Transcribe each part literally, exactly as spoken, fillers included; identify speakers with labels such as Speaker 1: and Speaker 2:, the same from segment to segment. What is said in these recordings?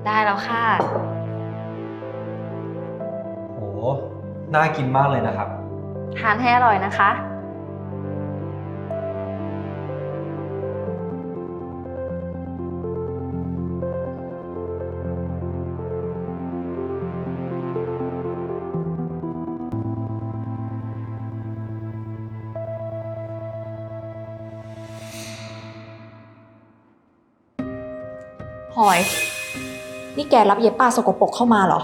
Speaker 1: ได้แล้วค่ะ
Speaker 2: โหน่ากินมากเลยนะครับ
Speaker 1: ทานให้อร่อยนะคะ
Speaker 3: พลอยนี่แกรับเย็บป้าสกปรกเข้ามาเหรอ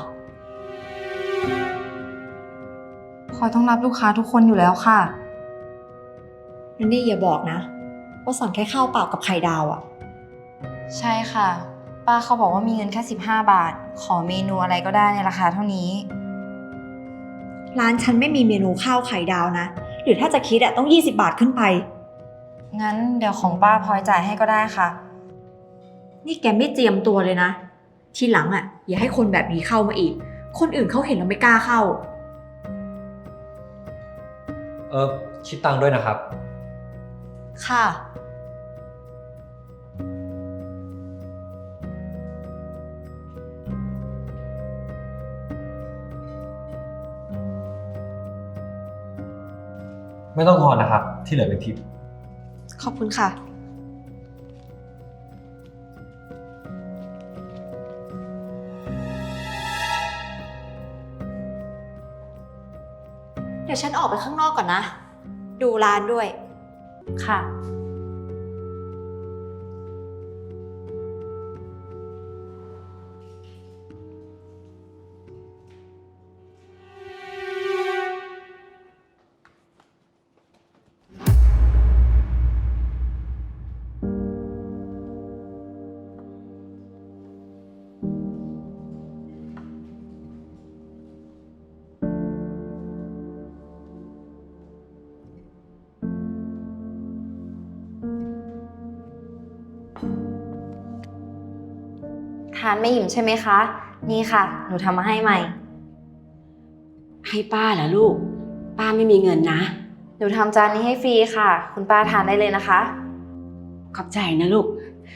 Speaker 1: พลอยต้องรับลูกค้าทุกคนอยู่แล้วค่ะ
Speaker 3: นันนี่อย่าบอกนะว่าสั่งแค่ข้าวเปล่ากับไข่ดาวอะ
Speaker 1: ใช่ค่ะ ป้าเขาบอกว่ามีเงินแค่สิบห้าบาท ขอเมนูอะไรก็ได้ในราคาเท่านี้
Speaker 3: ร้านฉันไม่มีเมนูข้าวไข่ดาวนะหรือถ้าจะคิดอะต้องยี่สิบบาทขึ้นไป
Speaker 1: งั้นเดี๋ยวของป้าพลอยจ่ายให้ก็ได้ค่ะ
Speaker 3: นี่แกไม่เจียมตัวเลยนะทีหลังอะอย่าให้คนแบบนี้เข้ามาอีกคนอื่นเขาเห็นแล้วไม่กล้าเข้า
Speaker 2: เออคิดตังค์ด้วยนะครับ
Speaker 3: ค่ะ
Speaker 2: ไม่ต้องทอนนะครับ ที่เหลือเป็นทิป
Speaker 3: ขอบคุณค่ะเดี๋ยวฉันออกไปข้างนอกก่อนนะ ดูร้านด้วย
Speaker 1: ค่ะ ทานไม่อิ่มใช่ไหมคะ นี่ค่ะ หนูทำมาให้ใหม่
Speaker 4: ให้ป้าเหรอลูก ป้าไม่มีเงินนะ
Speaker 1: หนูทำจานนี้ให้ฟรีค่ะ คุณป้าทานได้เลยนะคะ
Speaker 4: ขอบใจนะลูก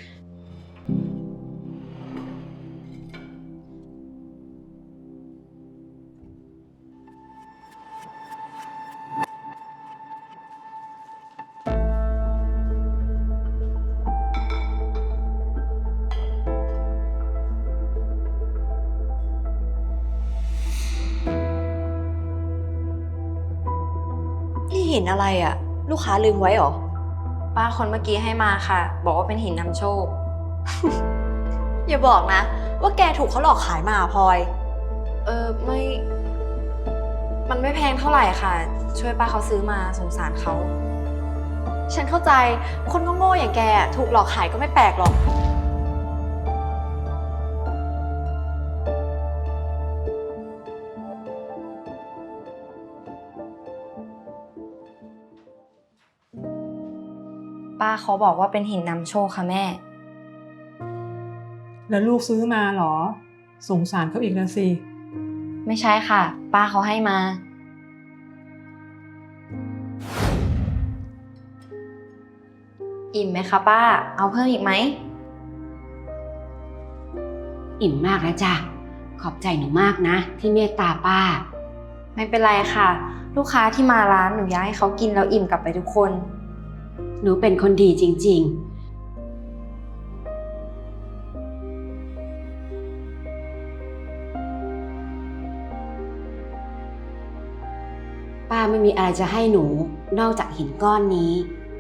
Speaker 3: นี่เห็นอะไรอะลูกค้าลืมไว้เหรอ
Speaker 1: ป้าคนเมื่อกี้ให้มาค่ะ บอกว่าเป็นหินนำโชค
Speaker 3: อย่าบอกนะ ว่าแกถูกเขาหลอกขายมาพลอย
Speaker 1: เออไม่ มันไม่แพงเท่าไหร่ค่ะ ช่วยป้าเขาซื้อมาสงสารเขา
Speaker 3: ฉันเข้าใจคนโง่ๆอย่างแกถูกหลอกขายก็ไม่แปลกหรอก
Speaker 1: ป้าเขาบอกว่าเป็นหินนำโชคค่ะแม่
Speaker 5: แล้วลูกซื้อมาเหรอ สงสารเขาอีกนะสิ
Speaker 1: ไม่ใช่ค่ะ ป้าเขาให้มา อิ่มไหมคะป้า เอาเพิ่มอีกไหม
Speaker 4: อิ่มมากแล้วจ้ะ ขอบใจหนูมากนะ ที่เมตตาป้า
Speaker 1: ไม่เป็นไรค่ะ ลูกค้าที่มาร้านหนูอยากให้เขากินแล้วอิ่มกลับไปทุกคน
Speaker 4: หนูเป็นคนดีจริงๆ ป้าไม่มีอะไรจะให้หนูนอกจากหินก้อนนี้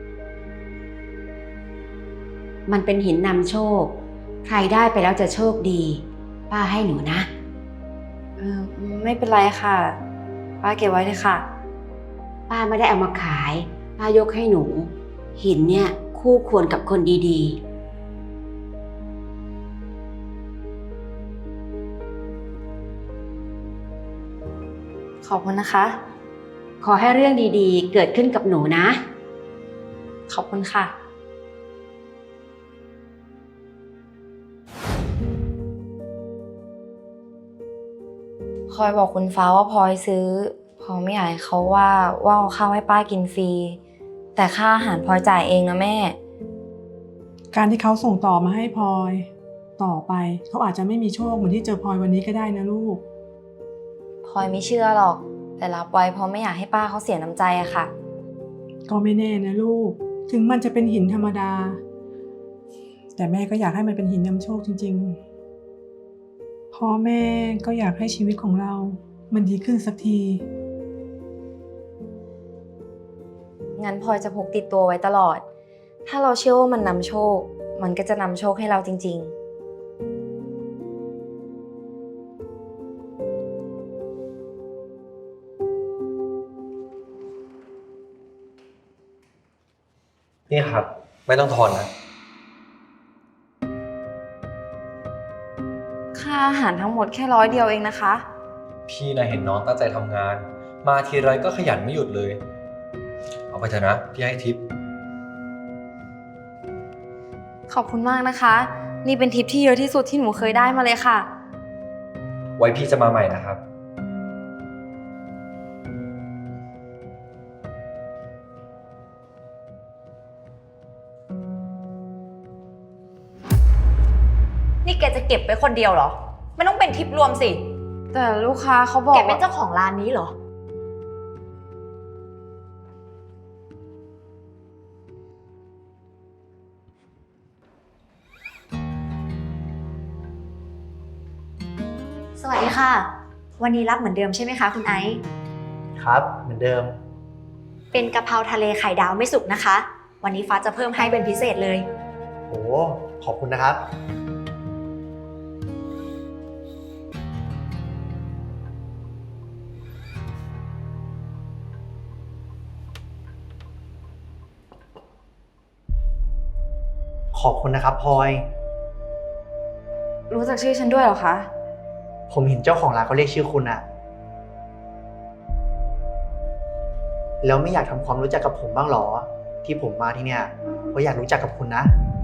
Speaker 4: มันเป็นหินนำโชค ใครได้ไปแล้วจะโชคดี ป้าให้หนูนะ
Speaker 1: เออไม่เป็นไรค่ะ ป้าเก็บไว้เลยค่ะ
Speaker 4: ป้าไม่ได้เอามาขาย ป้ายกให้หนู หินเนี่ยคู่ควรกับคนดี
Speaker 1: ขอบคุณนะคะ
Speaker 4: ๆ ขอให้เรื่องดีๆ เกิดขึ้นกับหนูนะ
Speaker 1: ขอบคุณค่ะ พลอยบอกคุณฟ้าว่าพลอยซื้อพลอยไม่อยากให้เขาว่าว่าเอาข้าวให้ป้ากินฟรี แต่ค่าอาหารพลอยจ่ายเองนะแม่
Speaker 5: การที่เขาส่งต่อมาให้พลอยต่อไปเขาอาจจะไม่มีโชคเหมือนที่เจอพลอยวันนี้ก็ได้นะลูก
Speaker 1: พลอยไม่เชื่อหรอก แต่รับไว้เพราะไม่อยากให้ป้าเขาเสียน้ำใจอะค่ะ
Speaker 5: ก็ไม่แน่นะลูก ถึงมันจะเป็นหินธรรมดา แต่แม่ก็อยากให้มันเป็นหินนำโชคจริงๆพ่อแม่ก็อยากให้ชีวิตของเรา มันดีขึ้นสักที
Speaker 1: งั้นพลอยจะพกติดตัวไว้ตลอด ถ้าเราเชื่อว่ามันนำโชค มันก็จะนำโชคให้เราจริงๆ
Speaker 2: นี่ครับ ไม่ต้องทอนนะ
Speaker 1: ค่าอาหารทั้งหมดแค่ร้อยเดียวเองนะคะ
Speaker 2: พี่นะเห็นน้องตั้งใจทำงาน มาทีไรก็ขยันไม่หยุดเลย เอาไปเถอะนะ พี่ให้ทิป
Speaker 1: ขอบคุณมากนะคะ นี่เป็นทิปที่เยอะที่สุดที่หนูเคยได้มาเลยค่ะ
Speaker 2: ไว้พี่จะมาใหม่นะครับ
Speaker 3: นี่แกจะเก็บไว้คนเดียวเหรอ ไม่ต้องเป็นทิปรวมสิ
Speaker 1: แต่ลูกค้าเขาบอก
Speaker 3: แกเป็น
Speaker 1: ว่า
Speaker 3: เจ้าของร้านนี้เหรอ สวัสดีค่ะ วันนี้รับเหมือนเดิมใช่ไหมคะคุณไอซ์
Speaker 6: ครับเหมือนเดิม
Speaker 3: เป็นกะเพราทะเลไข่ดาวไม่สุกนะคะ วันนี้ฟ้าจะเพิ่มให้เป็นพิเศษเลย
Speaker 6: โอ้ขอบคุณนะครับ ขอบคุณนะครับพลอย
Speaker 1: รู้จักชื่อฉันด้วยเหรอคะ
Speaker 6: ผมเห็นเจ้าของร้านเขาเรียกชื่อคุณอะแล้วไม่อยากทำความรู้จักกับผมบ้างหรอ ที่ผมมาที่เนี่ยเพราะอยากรู้จักกับคุณนะ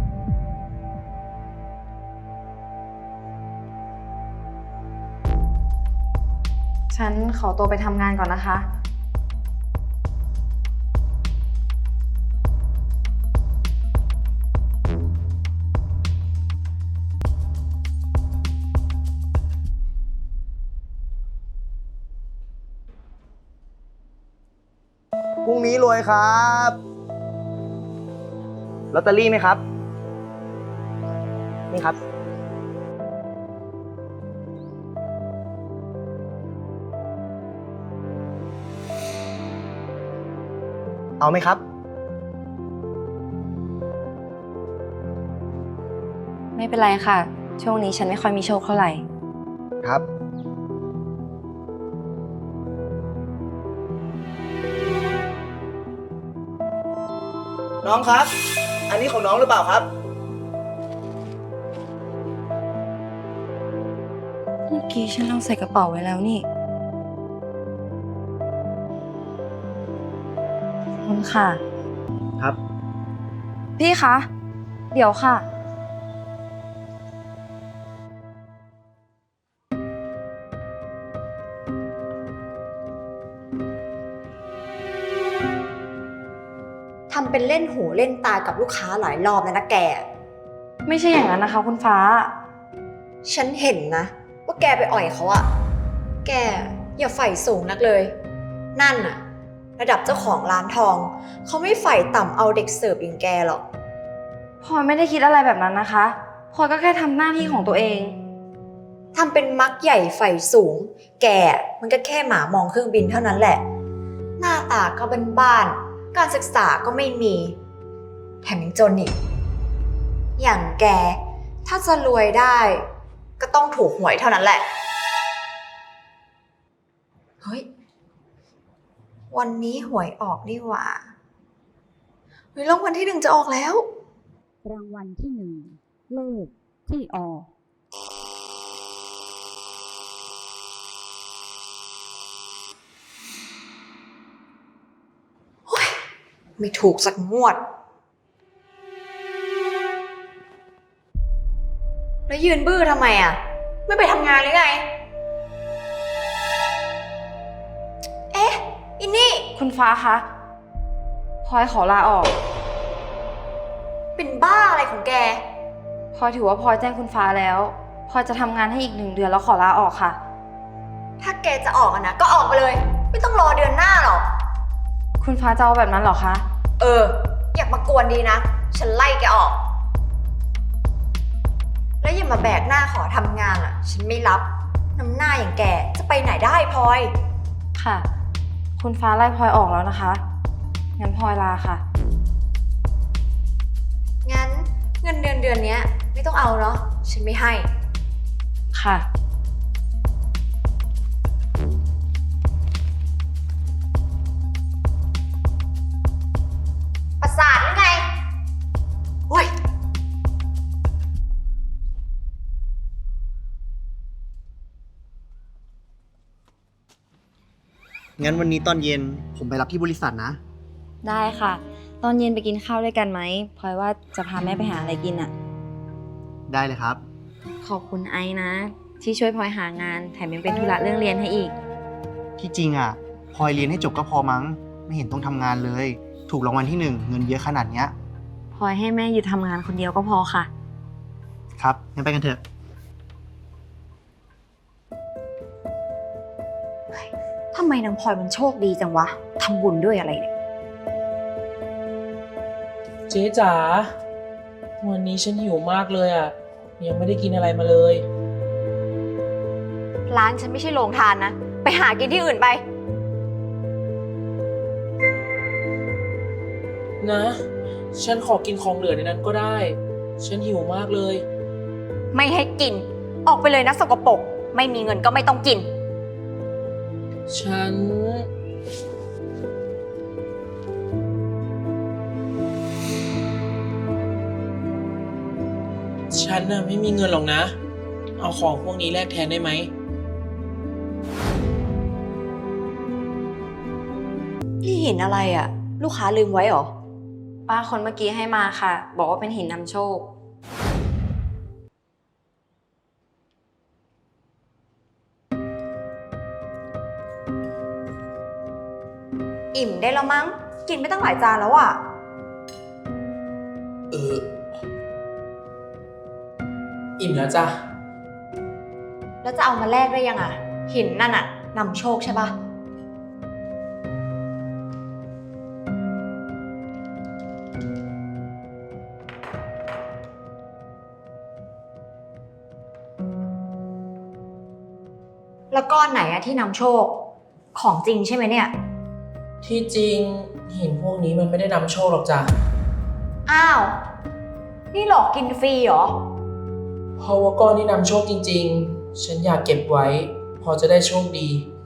Speaker 1: ฉันขอตัวไปทำงานก่อนนะคะ
Speaker 6: พรุ่งนี้รวยครับลอตเตอรี่ไหมครับ นี่ครับ เอาไหมครับ
Speaker 1: ไม่เป็นไรค่ะ ช่วงนี้ฉันไม่ค่อยมีโชคเท่าไหร่
Speaker 6: ครับ น้องครับ อันนี้ของน้องหรือเปล่าครับ
Speaker 1: เมื่อกี้ฉันเอาใส่กระเป๋าไว้แล้วนี่ขอบคุณค่ะ
Speaker 6: ครับ
Speaker 1: พี่คะ เดี๋ยวค่ะ
Speaker 3: ทำเป็นเล่นหูเล่นตากับลูกค้าหลายรอบแล้วนะแก
Speaker 1: ไม่ใช่อย่างนั้นนะคะคุณฟ้า
Speaker 3: ฉันเห็นนะ ว่าแกไปอ่อยเขาอะแกอย่าใฝ่สูงนักเลย นั่นอะระดับเจ้าของร้านทอง เขาไม่ใฝ่ต่ำเอาเด็กเสิร์ฟอย่างแกหรอก
Speaker 1: พลอยไม่ได้คิดอะไรแบบนั้นนะคะ พลอยก็แค่ทำหน้าที่ของตัวเอง
Speaker 3: ทำเป็นมักใหญ่ใฝ่สูง แกมันก็แค่หมามองเครื่องบินเท่านั้นแหละ หน้าตาก็เป็นบ้านๆการศึกษาก็ไม่มี แถมยังจนอีก อย่างแก ถ้าจะรวยได้ ก็ต้องถูกหวยเท่านั้นแหละ เฮ้ย วันนี้หวยออกนี่หว่าเฮ้ยรางวัลที่หนึ่งจะออกแล้ว
Speaker 7: รางวัลที่หนึ่งเลขที่ออก
Speaker 3: ไม่ถูกสักงวด แล้วยืนบื้อทำไมอ่ะ ไม่ไปทำงานหรือไง เอ๊ะ อินนี่
Speaker 1: คุณฟ้าคะพลอยขอลาออก
Speaker 3: เป็นบ้าอะไรของแก
Speaker 1: พพลอยถือว่าพลอยแจ้งคุณฟ้าแล้วพลอยจะทำงานให้อีกหนึ่งเดือนแล้วขอลาออกค่ะ
Speaker 3: ถ้าแกจะออกอะนะก็ออกไปเลย ไม่ต้องรอเดือนหน้าหรอก
Speaker 1: คุณฟ้าจะเอาแบบนั้นเหรอคะ
Speaker 3: เออ อยากมากวนดีนะ ฉันไล่แกออก แล้วอย่ามาแบกหน้าขอทำงานอะฉันไม่รับ น้ำหน้าอย่างแกจะไปไหนได้พลอย
Speaker 1: ค่ะ คุณฟ้าไล่พลอยออกแล้วนะคะ งั้นพลอยลาค่ะ
Speaker 3: งั้นเงินเดือนเดือนเนี้ยไม่ต้องเอาเนาะ ฉันไม่ให้
Speaker 1: ค่ะ
Speaker 3: ประสาทหรือไงโอ้ย
Speaker 6: งั้นวันนี้ตอนเย็นผมไปรับที่บริษัทนะ
Speaker 1: ได้ค่ะ ตอนเย็นไปกินข้าวด้วยกันไหมพลอยว่าจะพาแม่ไปหาอะไรกินอะ
Speaker 6: ได้เลยครับ
Speaker 1: ขอบคุณไอ้นะ ที่ช่วยพลอยหางานแถมยังเป็นธุระเรื่องเรียนให้อีก
Speaker 6: ที่จริงอ่ะพลอยเรียนให้จบก็พอมั้ง ไม่เห็นต้องทำงานเลย ถูกรางวัลที่หนึ่งเงินเยอะขนาดเนี้ย
Speaker 1: พลอยให้แม่หยุดทำงานคนเดียวก็พอค่ะ
Speaker 6: ครับ งั้นไปกันเถอะ
Speaker 3: ทำไมนางพลอยมันโชคดีจังวะ ทำบุญด้วยอะไรเนี่ย
Speaker 8: เจ๊จ๋า วันนี้ฉันหิวมากเลยอ่ะ ยังไม่ได้กินอะไรมาเลย
Speaker 3: ร้านฉันไม่ใช่โรงทานนะ ไปหากินที่อื่นไป
Speaker 8: นะ ฉันขอกินของเหลือในนั้นก็ได้ ฉันหิวมากเลย
Speaker 3: ไม่ให้กิน ออกไปเลยนะสกปรก ไม่มีเงินก็ไม่ต้องกิน
Speaker 8: ฉัน ฉันน่ะไม่มีเงินหรอกนะ เอาของพวกนี้แลกแทนได้ไหม
Speaker 3: นี่เห็นอะไรอะลูกค้าลืมไว้เหรอ
Speaker 1: ป้าคนเมื่อกี้ให้มาค่ะ บอกว่าเป็นหินนำโชค
Speaker 3: อิ่มได้แล้วมั้ง กินไม่ตั้งหลายจานแล้วอะ
Speaker 8: เออ อิ่มแล้วจ้ะ
Speaker 3: แล้วจะเอามาแลกได้ยังอะหินนั่นอะนำโชคใช่ปะแล้วก้อนไหนอะที่นำโชค ของจริงใช่ไหมเนี่ย
Speaker 8: ที่จริงหินพวกนี้มันไม่ได้นำโชคหรอกจ้ะ
Speaker 3: อ้าว นี่หลอกกินฟรีเหรอ
Speaker 8: เพราะว่าก้อนที่นำโชคจริงๆ ฉันอยากเก็บไว้ พอจะได้โชคดี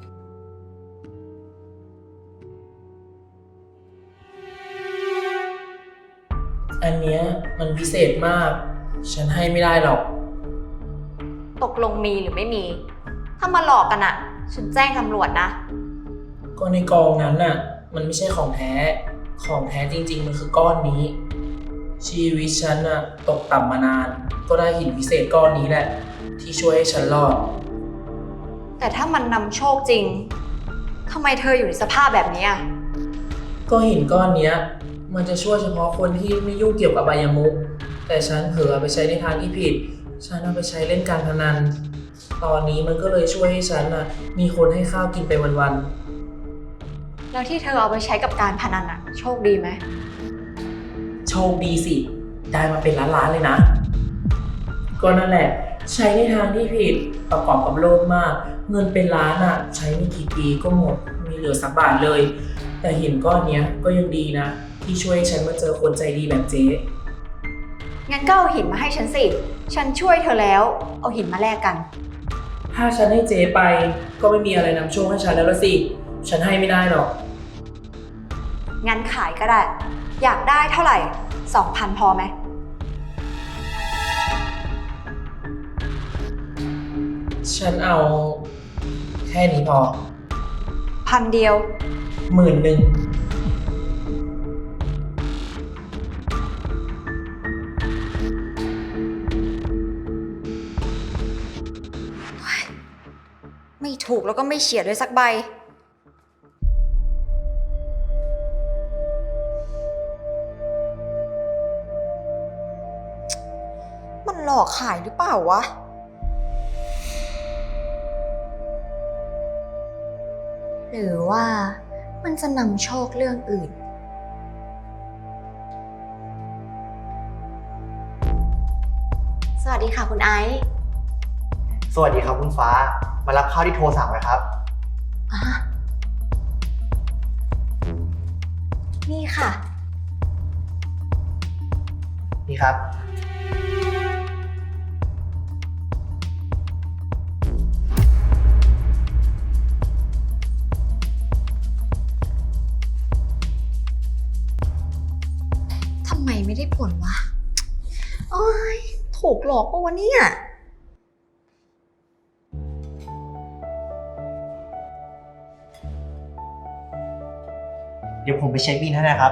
Speaker 8: อันเนี้ยมันพิเศษมาก ฉันให้ไม่ได้หรอก
Speaker 3: ตกลงมีหรือไม่มี ถ้ามาหลอกกันอะฉันแจ้งตำรวจนะ
Speaker 8: ก็ในกองนั้นน่ะ มันไม่ใช่ของแท้ ของแท้จริงๆ มันคือก้อนนี้ ชีวิตฉันน่ะตกต่ำมานาน ก็ได้หินพิเศษก้อนนี้แหละ ที่ช่วยให้ฉันรอด
Speaker 3: แต่ถ้ามันนำโชคจริง ทำไมเธออยู่ในสภาพแบบนี้อะ
Speaker 8: ก็หินก้อนเนี้ย มันจะช่วยเฉพาะคนที่ไม่ยุ่งเกี่ยวกับอบายมุข แต่ฉันเผลอเอาไปใช้ในทางที่ผิด ฉันเอาไปใช้เล่นการพนัน ตอนนี้มันก็เลยช่วยให้ฉันน่ะมีคนให้ข้าวกินไปวันๆ
Speaker 3: แล้วที่เธอเอาไปใช้กับการพนันอะโชคดีไหม
Speaker 8: โชคดีสิ ได้มาเป็นล้านๆเลยนะ ก็นั่นแหละ ใช้ในทางที่ผิดประกอบกับโลภมาก เงินเป็นล้านอ่ะ ใช้ไม่กี่ปีก็หมดไมีเหลือสักบาทเลย แต่หินก้อนเนี้ยก็ยังดีนะ ที่ช่วยให้ฉันมาเจอคนใจดีแบบเจ๊
Speaker 3: งั้นก็เอาหินมาให้ฉันสิ ฉันช่วยเธอแล้ว เอาหินมาแลกกัน
Speaker 8: ถ้าฉันให้เจ๊ไปก็ไม่มีอะไรนำโชคให้ฉันแล้วละสิ ฉันให้ไม่ได้หรอก
Speaker 3: งั้นขายก็ได้ อยากได้เท่าไหร่ สองพันพอไหม
Speaker 8: ฉันเอาแค่นี้พอ
Speaker 3: พันเดียว
Speaker 8: หมื่นหนึ่ง
Speaker 3: ไม่ถูกแล้วก็ไม่เฉียดเลยสักใบ มันหลอกขายหรือเปล่าวะ หรือว่ามันจะนำโชคเรื่องอื่น สวัสดีค่ะคุณไอซ์
Speaker 6: สวัสดีครับคุณฟ้า มารับข้าวที่โทรสั่งไว้ครับ
Speaker 3: อ่ะนี่ค่ะ
Speaker 6: นี่ครับ
Speaker 3: ทำไมไม่ได้ผลวะ โอ้ยถูกหลอกปะวะเนี่ย
Speaker 6: เดี๋ยวผมไปเช็คบิลให้นะครับ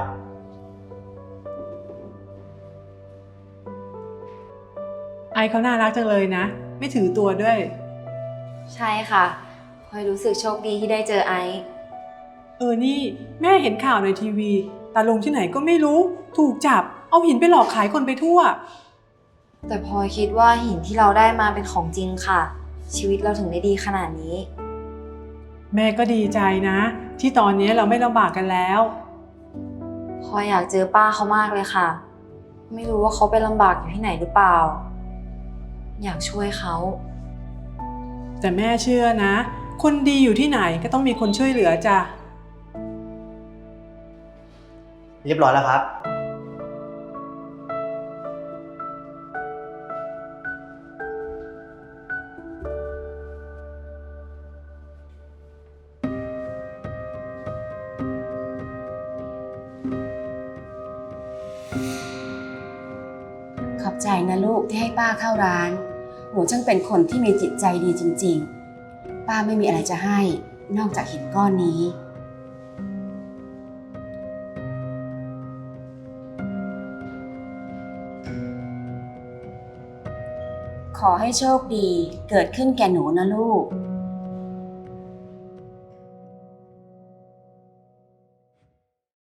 Speaker 5: ไอเขาน่ารักจังเลยนะ ไม่ถือตัวด้วย
Speaker 1: ใช่ค่ะพลอยรู้สึกโชคดีที่ได้เจอไอซ์
Speaker 5: เออนี่แม่เห็นข่าวในทีวีตาลงที่ไหนก็ไม่รู้ ถูกจับเอาหินไปหลอกขายคนไปทั่ว
Speaker 1: แต่พลอยคิดว่าหินที่เราได้มาเป็นของจริงค่ะ ชีวิตเราถึงได้ดีขนาดนี้
Speaker 5: แม่ก็ดีใจนะ ที่ตอนนี้เราไม่ลำบากกันแล้ว
Speaker 1: พลอยอยากเจอป้าเขามากเลยค่ะ ไม่รู้ว่าเขาไปลำบากอยู่ที่ไหนหรือเปล่า อยากช่วยเขา
Speaker 5: แต่แม่เชื่อนะ คนดีอยู่ที่ไหนก็ต้องมีคนช่วยเหลือจ้ะ
Speaker 6: เรียบร้อยแล้วครับ
Speaker 4: ขอบใจนะลูกที่ให้ป้าเข้าร้าน หนูช่างเป็นคนที่มีจิตใจดีจริงๆ ป้าไม่มีอะไรจะให้นอกจากหินก้อนนี้ ขอให้โชคดีเกิดขึ้นแก่หนูนะลูก